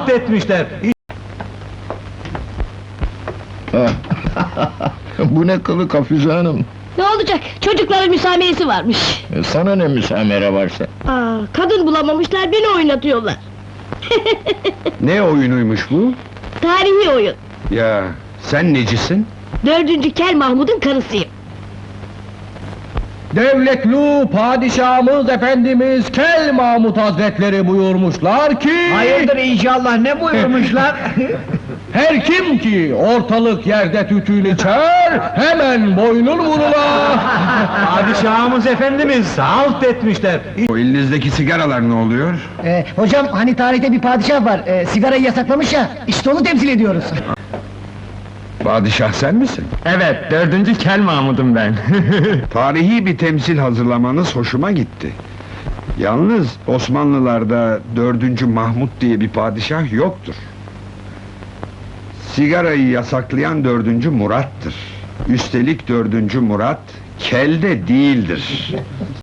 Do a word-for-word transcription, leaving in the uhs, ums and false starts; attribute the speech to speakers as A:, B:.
A: Halt etmişler.
B: Bu ne kılık Hafize Hanım?
C: Ne olacak? Çocukların müsameresi varmış.
B: E, Sana ne müsamere varsa?
C: Aa, kadın bulamamışlar, beni oynatıyorlar.
D: Ne oyunuymuş bu?
C: Tarihi oyun.
D: Ya, sen necisin?
C: Dördüncü Kel Mahmud'un karısıyım.
A: Devletlu padişahımız efendimiz Kel Mahmud Hazretleri buyurmuşlar ki...
E: Hayırdır inşallah, ne buyurmuşlar?
A: Her kim ki ortalık yerde tütün içer, hemen boynun vurula! Padişahımız efendimiz halt etmişler.
D: O elinizdeki sigaralar ne oluyor?
E: Ee, hocam, hani tarihte bir padişah var, e, sigarayı yasaklamış ya, işte onu temsil ediyoruz.
D: Padişah sen misin?
A: Evet, dördüncü Kel Mahmud'um ben.
D: Tarihi bir temsil hazırlamanız hoşuma gitti. Yalnız Osmanlılarda dördüncü Mahmud diye bir padişah yoktur. Sigarayı yasaklayan dördüncü Murat'tır. Üstelik dördüncü Murat, kel de değildir.